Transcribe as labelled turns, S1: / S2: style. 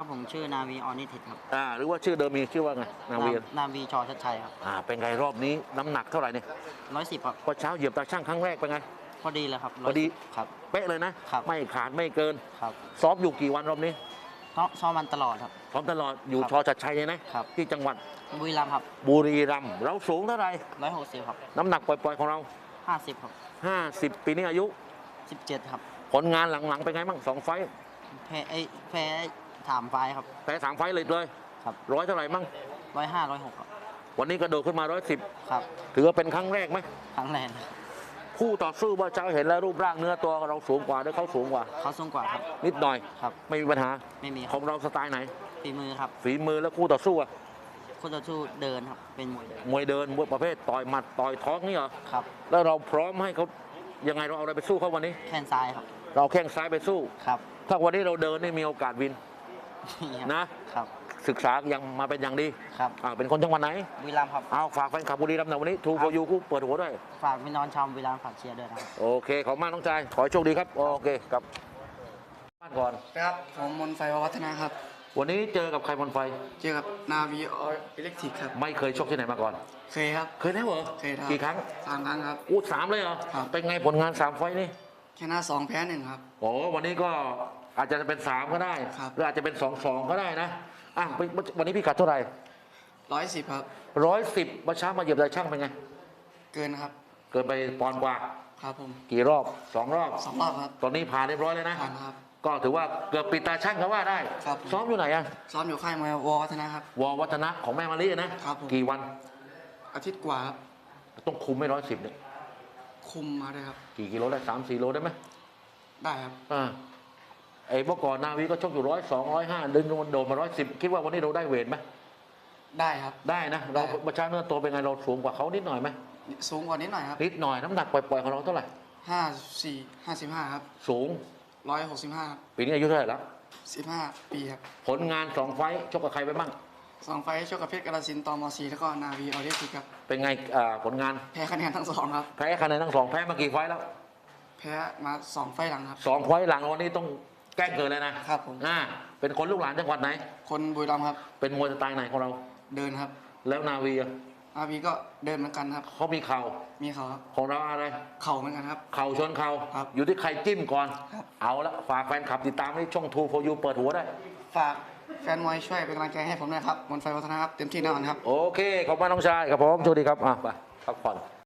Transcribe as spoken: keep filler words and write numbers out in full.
S1: ผมชื่อนาวีออนิทิตครับ
S2: อ่าหรือว่าชื่อเดิมมีชื่อว่าไงนาวี
S1: นาวีชอชัดชัยครับ
S2: อ่าเป็นไงรอบนี้น้ำหนักเท่าไหร่เนี่ย
S1: ร้อยสิบครับ
S2: พอเช้าเหยียบตาช่างครั้งแรกเป็นไง
S1: พอดีเลยครับ
S2: พอดี
S1: ครับ
S2: เป๊ะเลยนะครับไม่ขาดไม่เกิน
S1: ครับ
S2: ซ้อมอยู่กี่วันรอบนี้
S1: ซ้อมมันตลอดครับ
S2: ซ้อมตลอดอยู่ชอชัดชัยเลยนะครับที่จังหวัด
S1: บุรีรัมย์ครับ
S2: บุรีรัมย์เราสูงเท่าไหร่
S1: ร้อยหกสิบครับ
S2: น้ำหนักปล่อยๆของเรา
S1: ห้าสิบครับ
S2: ห้าสิบปีนี้อายุ
S1: สิบเจ็ดครับ
S2: ผลงานหลังๆเป็นไงบ้างสองไฟ
S1: แพ้ไอ้แพ้ถามไฟครับ
S2: แพ้สามไฟเลยเลย
S1: ครับ
S2: ร้อยเท่าไหร่มั่ง
S1: ร้อยห้าร้อยหกครับ
S2: วันนี้กระโดดขึ้นมาร้อยสิบ
S1: ครับ
S2: ถือว่าเป็นครั้งแรกไหม
S1: ครั้งแรก
S2: คู่ต่อสู้ว่าเจ้าเห็นแล้วรูปร่างเนื้อตัวเราสูงกว่าหรือเขาสูงกว่า
S1: เขาสูงกว่าครับ
S2: นิดหน่อย
S1: ครับ
S2: ไม่มีปัญหา
S1: ไม่มี
S2: ของเราสไตล์ไหน
S1: ฝีมือครับ
S2: ฝีมือแล้วคู่ต่อสู้อะ
S1: คู่ต่อสู้เดินครับเป็นมวยเดิน
S2: มวยเดินมวยประเภทต่อยหมัดต่อยท้องนี่เหรอ
S1: ครับ
S2: แล้วเราพร้อมให้เขายังไงเราเอาอะไรไปสู้เขาวันนี้
S1: แข้งซ้ายครับ
S2: เราแข้งซ้ายไปสู้
S1: ครับ
S2: ถ้าวันนี้เราเดินนี่มีโอกาสวินนะครับศึกษายังมาเป็นอย่างดี
S1: ครับ
S2: เป็นคนจังหวัดไหน
S1: บุรีรัมย์ครับ
S2: เอาฝากแฟนคลับบุรีรัมย์หน่อยวันนี้ทูโฟยูคู่เปิดหัวด้วย
S1: ฝากพี่น้องชาวบุรีรัมย์ฝากเชียร์ด้วยนะครับ
S2: โอเคขอบมากน้องชายขอให้โชคดีครับโอเคครับบ้านก่อน
S3: ครับผมมนไฟวัฒนะครับ
S2: วันนี้เจอกับใครบนไฟ
S3: เจอกับนาวีออิเล็กทริกครับ
S2: ไม่เคยชกที่ไหนมาก่อน
S3: เคยครับ
S2: เคยแล้วเหรอ
S3: เคยครับ
S2: กี่ครั้ง
S3: สามครั้งครับ
S2: อู้สามเลยเหรอ
S3: ครับ
S2: เป็นไงผลงานสามไฟนี่
S3: ชนะสองแพ้หนึ่งครับ
S2: โอ้วันนี้ก็อาจจะเป็นสามก็ได้หรืออาจจะเป็นสองสองก็ได้นะอ่ะวันนี้พี่กัดเท่าไหร่
S3: ร้อยสิบครับ
S2: ร้อยสิบมาช้ามาเหยียบได้ช่างเป็นไง
S3: เกินครับ
S2: เกินไปปอนด์กว่า
S3: ครับผม
S2: กี่รอบสองรอบ
S3: สองรอบครับ
S2: ตอนนี้ผ่านเรียบร้อยเลยนะ
S3: ผ่านครับ
S2: ก็ถือว่าเกือบปิดตาช่างเขาว่าได้
S3: ครับ
S2: ซ้อมอยู่ไหนอ่ะ
S3: ซ้อมอยู่ค่ายมวยววัฒนะครับ
S2: ววัฒนะของแม่มาลีนะครับกี่วัน
S3: อาทิตย์กว่าครับ
S2: ต้องคุมไม่ร้อยสิบเนี่ย
S3: คุมมาเลยครับ
S2: กี่กิโลได้สามสี่โลได้ไหม
S3: ได้ครับ
S2: อ่าไอ้เมื่อก่อนนาวีก็ชกอยู่ร้อยสองร้อยห้าดึงโดนมาร้อยสิบคิดว่าวันนี้เราได้เวทไหม
S3: ได้ครับ
S2: ได้นะเราประชาเนื้อตัวเป็นไงเราสูงกว่าเขานิดหน่อยไหม
S3: สูงกว่านิดหน่อยครับ
S2: นิดหน่อยน้ำหนักปล่อยๆของเราเท่าไหร่
S3: ห้าสี่ห้าสิบห้าครับ
S2: สูง
S3: ร้อยหกสิบห้า
S2: ปีนี้อายุเท่าไหร่แล้ว
S3: สิบห้าปีครับ
S2: ผลงานสองไฟชกกับใครไปบ้าง
S3: สองไฟชกกับเพชรกาฬสินธุ์ตมสีแล้วก็นาวีออิเล็กทริกครับ
S2: เป็นไงผลงาน
S3: แพ้คะแนนทั้งสองครับ
S2: แพ้คะแนนทั้งสองแพ้มากี่ไฟแล้ว
S3: แพ้มาสองไฟหลังครับ
S2: สองไฟหลังวันนี้ต้องแก้เกิดเลยนะครับ
S3: ผม
S2: อ่าเป็นคนลูกหลานจังหวัดไหน
S3: คนบุรีรัมย์ครับ
S2: เป็นมวยสไตล์ไหนของเรา
S3: เดินครับ
S2: แล้วนาวี
S3: นาวีก็เดินเหมือนกันครับ
S2: เขามีเข่า
S3: มีเข่าครับ
S2: ของเราอะไร
S3: เข่าเหมือนกันครับ
S2: เข่าชนเข่า
S3: ครับ
S2: อยู่ที่ใครจิ้มก่อน
S3: ครับ
S2: เอาละฝากแฟนคลับติดตามที่ช่องทูโฟยูเปิดหัวได้
S3: ฝากแฟนมวยช่วยเป็นกำลังใจให้ผมด้วยครับมนไฟวัฒนะครับเต็มที่แน่นอนครับ
S2: โอเคขอบคุณน้องชายครับผมสวัสดีครับอ่ะไปพักผ่อน